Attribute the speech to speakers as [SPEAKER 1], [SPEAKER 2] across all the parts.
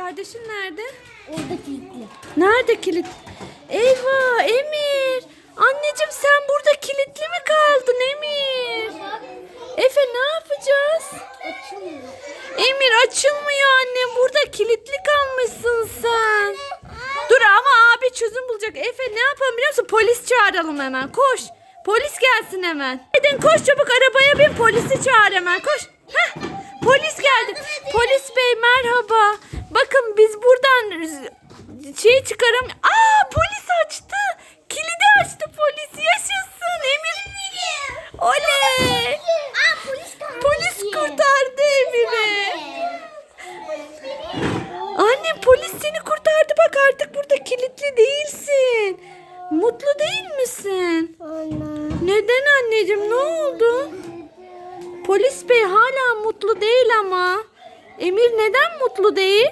[SPEAKER 1] Kardeşin nerede?
[SPEAKER 2] Orada kilitli.
[SPEAKER 1] Nerede kilit? Eyvah Emir. Anneciğim sen burada kilitli mi kaldın Emir? Efe ne yapacağız?
[SPEAKER 2] Açılmıyor.
[SPEAKER 1] Emir açılmıyor annem. Burada kilitli kalmışsın sen. Dur ama abi çözüm bulacak. Efe ne yapalım biliyor musun? Polis çağıralım hemen. Koş. Polis gelsin hemen. Hadi koş çabuk arabaya bin. Polisi çağır hemen. Koş. Heh. Polis geldi. Polis bey merhaba. Bakın biz buradan çıkarım. Aa polis açtı. Kilidi açtı polis. Yaşasın Emir. Oley.
[SPEAKER 2] Aa
[SPEAKER 1] Polis kurtardı Emir'i. Anne polis seni kurtardı bak artık burada kilitli değilsin. Mutlu değil misin?
[SPEAKER 2] Anne.
[SPEAKER 1] Neden anneciğim ne oldu? Polis bey hala mutlu değil ama. Emir neden mutlu değil?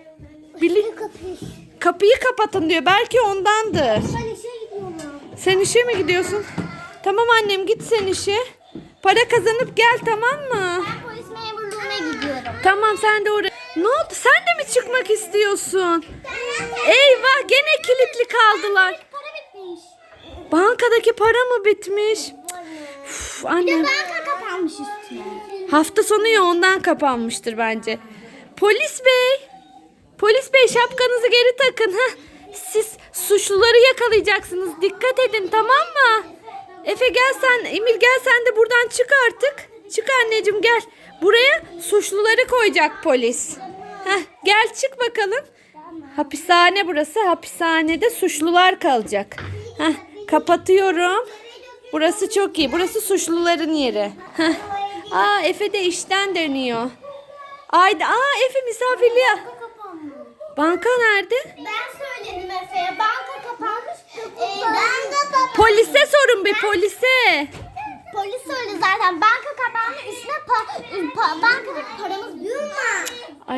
[SPEAKER 1] Kapıyı kapatın diyor. Belki ondandır.
[SPEAKER 2] Ben işe gidiyorum.
[SPEAKER 1] Sen işe mi gidiyorsun? Tamam annem git sen işe. Para kazanıp gel tamam mı?
[SPEAKER 2] Ben polis memurluğuna gidiyorum.
[SPEAKER 1] Tamam sen de oraya. Ne oldu? Sen de mi çıkmak istiyorsun? Eyvah gene kilitli kaldılar.
[SPEAKER 2] Para bitmiş.
[SPEAKER 1] Bankadaki para mı bitmiş? Uf, annem.
[SPEAKER 2] Banka kapanmış üstüne.
[SPEAKER 1] Hafta sonu ya ondan kapanmıştır bence. Polis bey. Polis bey şapkanızı geri takın. Heh. Siz suçluları yakalayacaksınız. Dikkat edin tamam mı? Efe gel sen. Emir gel sen de buradan çık artık. Çık anneciğim gel. Buraya suçluları koyacak polis. Heh, gel çık bakalım. Hapishane burası. Hapishanede suçlular kalacak. Heh, kapatıyorum. Burası çok iyi. Burası suçluların yeri. Heh. Aa Efe de işten dönüyor. Efe misafirliğe.
[SPEAKER 2] Banka kapanmış.
[SPEAKER 1] Banka nerede?
[SPEAKER 2] Ben söyledim Efe'ye. Banka kapanmış. Banka kapanmış.
[SPEAKER 1] Polise sorun bir polise.
[SPEAKER 2] Polis söyledi zaten. Banka kapandı. Üstüne bankadaki paramız büyür mü?
[SPEAKER 1] Ay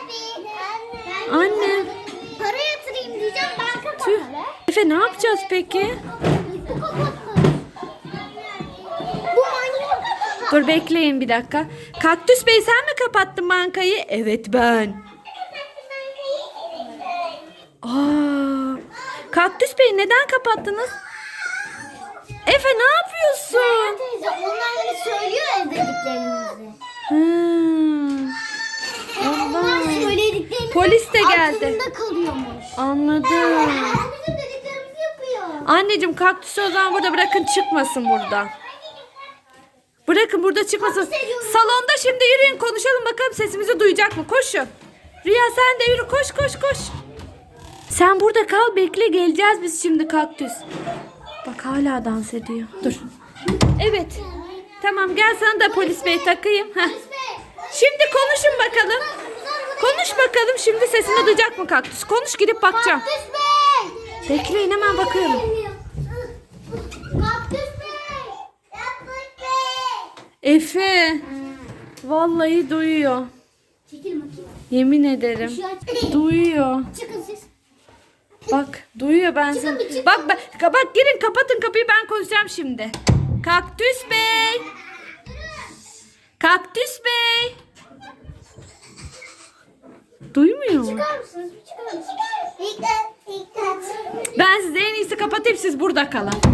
[SPEAKER 1] anne.
[SPEAKER 2] Para yatırayım diyeceğim. Banka
[SPEAKER 1] Tüh.
[SPEAKER 2] kapalı.
[SPEAKER 1] Efe ne yapacağız peki?
[SPEAKER 2] Bu kapatmış. Bu manyak.
[SPEAKER 1] Dur bekleyin bir dakika. Kaktüs Bey sen mi kapattın bankayı? Evet ben. Aa, Kaktüs Bey neden kapattınız? Efe ne yapıyorsun?
[SPEAKER 2] Teyze onlar hani söylüyor ya dediklerimizi.
[SPEAKER 1] Hmm,
[SPEAKER 2] Onlar söylediklerimizi
[SPEAKER 1] Polis de geldi.
[SPEAKER 2] aklında kalıyormuş.
[SPEAKER 1] anladım.
[SPEAKER 2] Bizim dediklerimizi yapıyor.
[SPEAKER 1] Anneciğim kaktüsü o zaman burada bırakın çıkmasın burada. Bırakın burada çıkmasın. Salonda şimdi yürüyün konuşalım bakalım sesimizi duyacak mı? Koşun. Rüya sen de yürü koş koş koş. Sen burada kal bekle geleceğiz biz şimdi kaktüs. Bak hala dans ediyor. Dur. Evet. Tamam gel sana da polis bey takayım. Heh. Şimdi konuşun bakalım. Konuş bakalım şimdi sesini duyacak mı kaktüs? Konuş gidip bakacağım.
[SPEAKER 2] Kaktüs Bey.
[SPEAKER 1] Bekleyin hemen bakıyorum.
[SPEAKER 2] Kaktüs Bey. Kaktüs Bey.
[SPEAKER 1] Efe. Vallahi duyuyor.
[SPEAKER 2] Çekil bakayım.
[SPEAKER 1] Yemin ederim.
[SPEAKER 2] Şu aç.
[SPEAKER 1] Duyuyor.
[SPEAKER 2] Çıkın siz.
[SPEAKER 1] Bak duyuyor ben
[SPEAKER 2] Çıkın
[SPEAKER 1] seni.
[SPEAKER 2] bir çıkın.
[SPEAKER 1] Bak girin kapatın kapıyı ben konuşacağım şimdi. Kaktüs Bey. Kaktüs Bey. Duymuyor mu?
[SPEAKER 2] Çıkar mısınız? Bir çıkar mısınız?
[SPEAKER 1] Ben size en iyisi kapatayım siz burada kalın.